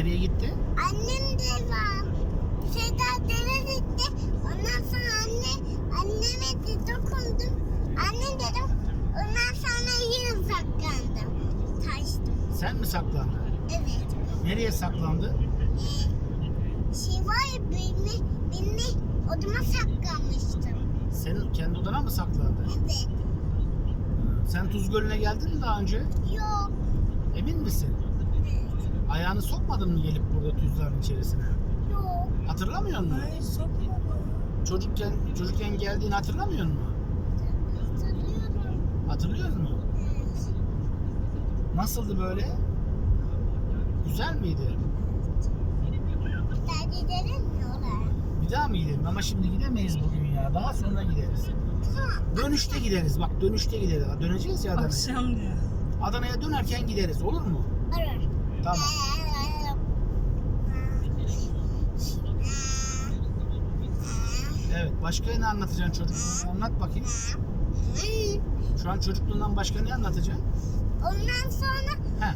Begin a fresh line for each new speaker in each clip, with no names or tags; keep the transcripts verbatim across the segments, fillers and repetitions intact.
nereye gitti?
Annem de var. Şeyda deve gitti. Ondan sonra anne, anneme de dokundum. Anne dedim. Ondan sonra yine saklandım. Taştım.
Sen mi saklandın?
Evet.
Nereye saklandı?
Ee, şey var ya benim, benim odama saklanmıştım.
Senin kendi odana mı saklandı?
Evet.
Sen Tuz Gölü'ne geldin mi daha önce?
Yok.
Emin misin?
Evet.
Ayağını sokmadın mı gelip burada tuzların içerisine?
Yok.
Hatırlamıyor musun?
Ay sokma.
Çocukken çocukken geldiğini hatırlamıyor musun?
Hatırlıyorum.
Hatırlıyor musun?
Evet.
Nasıldı böyle? Güzel miydi?
Bir daha gidelim mi oraya?
Bir daha mı gidelim? Ama şimdi gidemeyiz bugün ya. Daha sonra gideriz.
Tamam.
Dönüşte gideriz. Bak dönüşte gideriz. Döneceğiz ya Adana'ya.
Akşam diyor.
Adana'ya dönerken gideriz. Olur mu?
Olur.
Tamam. Evet. Başka ne anlatacaksın çocukluğunu? Anlat bakayım. Şu an çocukluğundan başka ne anlatacaksın?
Ondan sonra
He.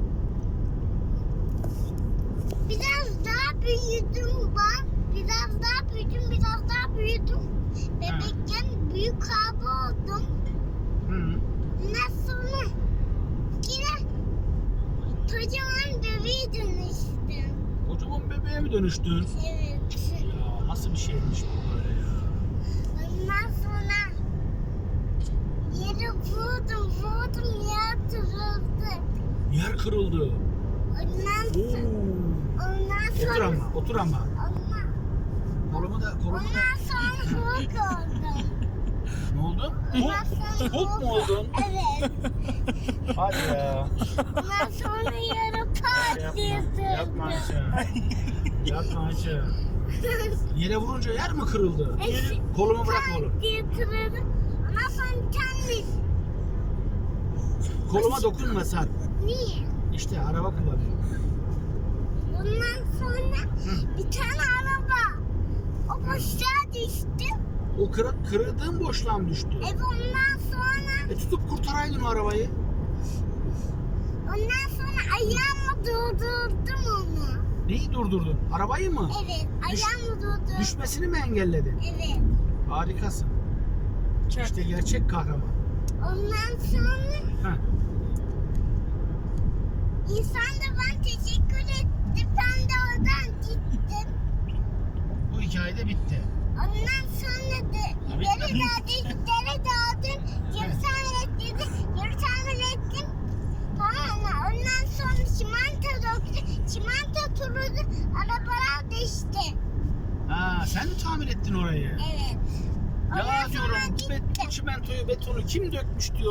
biraz daha büyüdüm ben. Biraz daha büyüdüm, biraz daha büyüdüm. Bebekken büyük abi oldum.
Hı.
Ondan sonra yine kocaman bebeğe dönüştüm.
Kocaman bebeğe mi dönüştün?
Evet.
Ya nasıl bir şeymiş bu böyle ya?
Ondan sonra yere vurdum, vurdum, yer kırıldı.
Yer kırıldı.
Ondan
Oo.
sonra, ondan
Otur
sonra,
ama, otur ama.
ondan,
Kolumu da, kolumu da.
ondan sonra Hulk oldum.
Ne oldun?
Ondan sonra
Hulk mu oldun?
Evet.
Hadi ya.
Ondan sonra yere pat diye
Yapma, yapma
sürdüm.
Ayşe. Yapma Ayşe. Yere vurunca yer mi kırıldı? Kolumu bırak oğlum.
Pat diye kırıldı. Ondan sonra kendi.
Koluma dokunma Sarp.
Niye?
İşte araba kullanıyor.
Ondan sonra bir tane araba. O boşluğa düştü.
O kır, kırıldığın boşluğa mı düştü?
Evet ondan sonra
E tutup kurtaraydın o arabayı.
ondan sonra ayağımla durdurdum onu.
Neyi durdurdun? Arabayı mı?
Evet
Düş-
ayağımla durdurdum.
Düşmesini mi engelledin?
Evet.
Harikasın.
Çok.
İşte gerçek kahraman.
Ondan sonra
Heh.
insan da ben teşekkür etti. Ben de oradan gittim.
Bu hikaye de bitti.
Ondan sonra da
Tabii,
geri
tabii.
dağıdım, geri dağıdım. Geri tamir ettirdim, geri tamir ettim. Tamam mı? Ondan sonra çimento döktü. Çimento turuldu, arabalar düştü.
Ha, sen mi tamir ettin orayı?
Evet.
Ya
Ondan sonra
diyorum bu
gittim.
bet- çimentoyu betonu kim dökmüş diyor.